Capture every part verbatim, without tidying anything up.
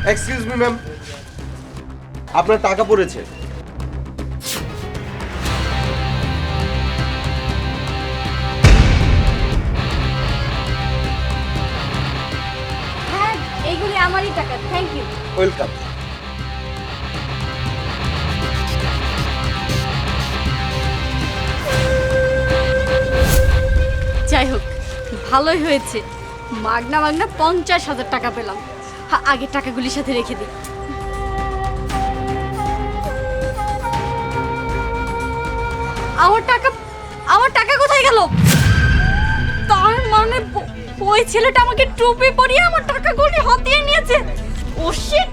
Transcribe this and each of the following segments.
Excuse me ma'am, আপনার টাকা পড়েছে। হ্যাঁ, এইগুলি আমারই টাকা, থ্যাংক ইউ। ওয়েলকাম। যাই হোক, ভালোই হয়েছে, মাগনা মাগনা পঞ্চাশ হাজার টাকা পেলাম। হ্যাঁ, আগে টাকাগুলির সাথে রেখে দিই। আমার টাকা, আমার টাকা কোথায় গেল? তার মানে ও- ওই ছেলেটা আমাকে টুপি পরিয়ে আমার টাকাগুলি হাতিয়ে নিয়েছে। Oh shit!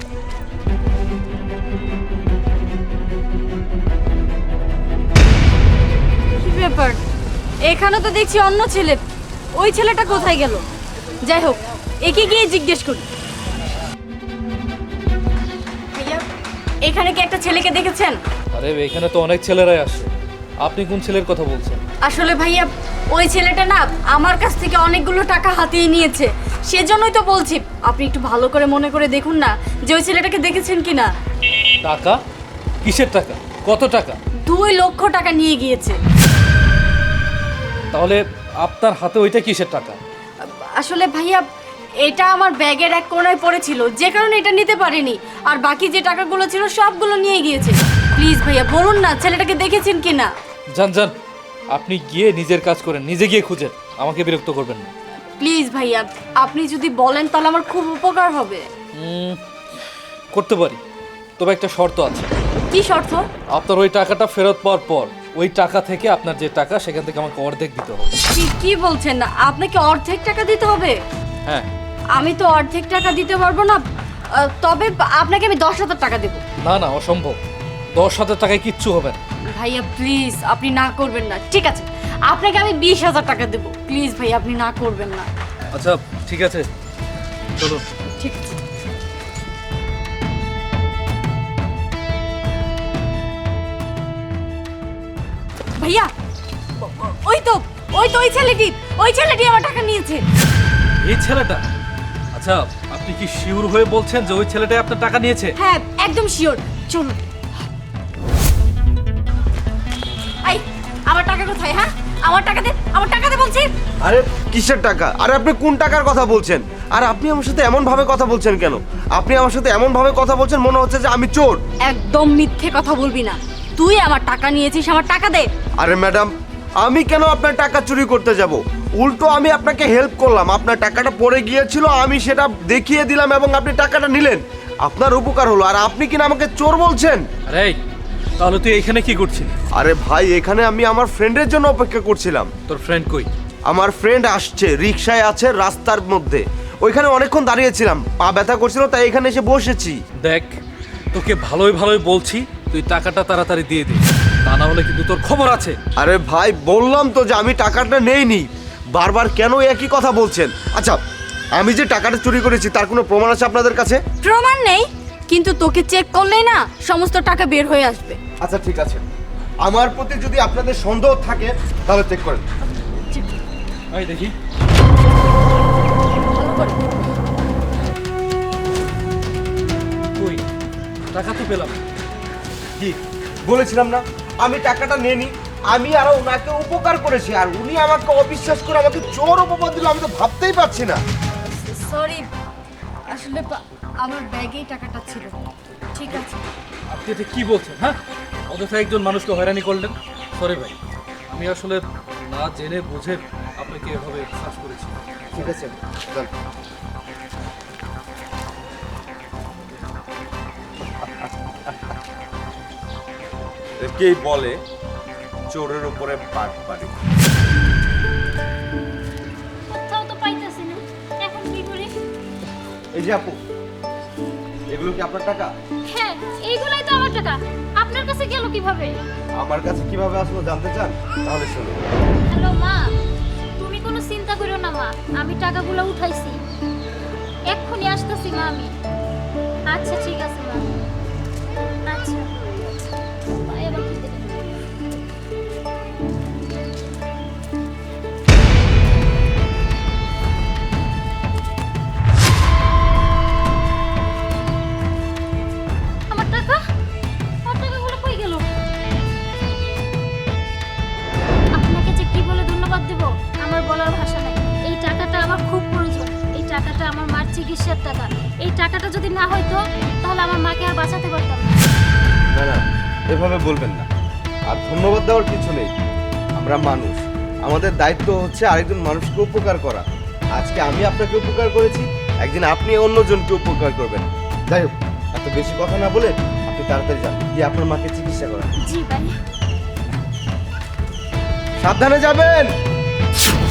কি ব্যাপার, এখানে তো দেখছি অন্য ছেলে, ওই ছেলেটা কোথায় গেল? যাই হোক, একে গিয়ে জিজ্ঞেস করি। ভাইয়া, এখানে কি একটা ছেলেকে দেখেছেন? আরে এখানে তো অনেক ছেলেরাই আসে, আপনি কোন ছেলের কথা বলছেন? আসলে ভাইয়া, ওই ছেলেটা না আমার কাছ থেকে অনেকগুলো টাকা হাতিয়ে নিয়েছে, সেজন্যই তো বলছি আপনি একটু ভালো করে মনে করে দেখুন না যে ওই ছেলেটাকে দেখেছেন কিনা। টাকা? কিসের টাকা? কত টাকা? দুই লক্ষ টাকা নিয়ে গিয়েছে। তাহলে আপনার হাতে ওইটা কিসের টাকা? আসলে ভাইয়া, এটা আমার ব্যাগের এক কোণায় পড়েছিল, যে কারণে এটা নিতে পারিনি, আর বাকি যে টাকাগুলো ছিল সবগুলো নিয়ে গিয়েছে। প্লিজ ভাইয়া বলুন না ছেলেটাকে দেখেছেন কিনা। যান যান, আপনি গিয়ে নিজের কাজ করেন, নিজে গিয়ে খুঁজেন, আমাকে বিরক্ত করবেন না। প্লিজ ভাইয়া, আপনি যদি বলেন তাহলে আমার খুব উপকার হবে। উম, করতে পারি, তবে একটা শর্ত আছে। কি শর্ত? আপনার ওই টাকাটা ফেরত পাওয়ার পর ওই টাকা থেকে আপনার যে টাকা সেখান থেকে আমাকে অর্ধেক দিতে হবে। কি কি বলছেন না, আপনাকে অর্ধেক টাকা দিতে হবে? হ্যাঁ। আমি তো অর্ধেক টাকা দিতে পারবো না, আহ, তবে আপনাকে আমি দশ হাজার টাকা দেবো। না না, অসম্ভব, দশ হাজার টাকায় কিচ্ছু হবে না। ভাইয়া প্লিজ, আপনি না করবেন না। ঠিক আছে, আপনাকে আমি বিশ হাজার টাকা দেবো। প্লিজ ভাইয়া, আপনি না করবেন না। আচ্ছা ঠিক আছে, চলুন। ঠিক আছে। ভাইয়া, ও- ও- ওই তো ওই তো ওই ছেলেটি, ওই ছেলেটি আমার টাকা নিয়েছে। এই ছেলেটা? আচ্ছা, আপনি কি শিওর হয়ে বলছেন যে ওই ছেলেটাই আপনার টাকা নিয়েছে? হ্যাঁ, একদম শিওর। চলুন। এই, আমার টাকা কোথায়? হ্যাঁ, আমার টাকা দে, আমার টাকা দে বলছি। আরে কিসের টাকা? আরে আপনি কোন টাকার কথা বলছেন? আর আপনি আমার সাথে এমন ভাবে কথা বলছেন কেন? আপনি আমার সাথে এমন ভাবে কথা বলছেন মনে হচ্ছে যে আমি চোর। একদম মিথ্যে কথা বলবি না। তুই আমার টাকা নিয়েছিস, আমার টাকা দে। আরে ম্যাডাম, আমি কেন আপনার টাকা চুরি করতে যাব? উল্টো আমি আপনাকে হেল্প করলাম, আপনার টাকাটা পড়ে গিয়েছিল, আমি সেটা দেখিয়ে দিলাম এবং আপনি টাকাটা নিলেন, আপনার উপকার হলো। আর আপনি কিনা আমাকে চোর বলছেন? আরে তাহলে তুই এখানে কি করছিস? আরে ভাই, এখানে আমি আমার ফ্রেন্ডের জন্য অপেক্ষা করছিলাম। তোর ফ্রেন্ড কই? আমার ফ্রেন্ড আসছে, রিকশায় আছে, রাস্তার মধ্যে। ওইখানে অনেকক্ষণ দাঁড়িয়েছিলাম, পা ব্যথা করছিল, তাই এখানে এসে বসেছি। দেখ, তোকে ভালোই ভালোই বলছি, তুই টাকাটা তাড়াতাড়ি দিয়ে দে, তা না হলে কিন্তু তোর খবর আছে। আরে ভাই, বললাম তো যে আমি টাকাটা নেইনি, বারবার কেন একই কথা বলছেন? আচ্ছা, আমি যে টাকাটা চুরি করেছি তার কোনো প্রমাণ আছে আপনাদের কাছে? প্রমাণ নেই, কিন্তু তোকে চেক করলেই না সমস্ত টাকা বের হয়ে আসবে। আচ্ছা ঠিক আছে, আমার প্রতি যদি আপনাদের সন্দেহ থাকে তাহলে চেক করেন। এই দেখি। ভালো করে। কই, টাকা তো পেলাম। কি বলেছিলাম না আমি টাকাটা নেইনি? আমি আরো ওনাকে উপকার করেছি, আর উনি আমাকে অবিশ্বাস করে আমাকে চোর অপবাদ দিল। আমি তো ভাবতেই পারছি না। সরি, আসলে বা- আমার ব্যাগেই টাকাটা ছিল। ঠিক আছে। আপনি এটা কি বলছেন? হ্যাঁ, অযথা একজন মানুষকে হয়রানি করলেন। সরি ভাই, আমি আসলে না জেনে বুঝে আপনাকে এভাবে বিশ্বাস করেছি। ঠিক আছে, চল। একেই বলে চোরের উপরে পাট পাড়ি। কোথাও তো পাইতাছি না, এখন কি করি? এই যে আপু, এগুলো কি আপনার টাকা? হ্যাঁ, এইগুলাই তো আমার টাকা। আপনার কাছে গেল কিভাবে? আমার কাছে কিভাবে আসলো জানতে চান? তাহলে শুনুন। হ্যালো মা, তুমি কোনো চিন্তা করো না মা, আমি টাকাগুলো উঠাইছি, এক্ষুনি আসতেছি মা আমি। আচ্ছা ঠিক আছে মা। আচ্ছা ভাই, আবার কি দেবে? চিকিৎসার টাকা। এই টাকাটা যদি না হইতো তাহলে আমার মাকে আর বাঁচাতে পারতাম না। না না, এভাবে বলবেন না। আর ধন্যবাদ দেওয়ার কিছু নেই, আমরা মানুষ, আমাদের দায়িত্ব হচ্ছে আরেকজন মানুষকে উপকার করা। আজকে আমি আপনাকে উপকার করেছি, একদিন আপনি অন্যজনকে উপকার করবেন। যাই হোক, এত বেশি কথা না বলে আপনি তাড়াতাড়ি যান, গিয়ে আপনার মাকে চিকিৎসা করান। জি ভাই। সাবধানে যাবেন।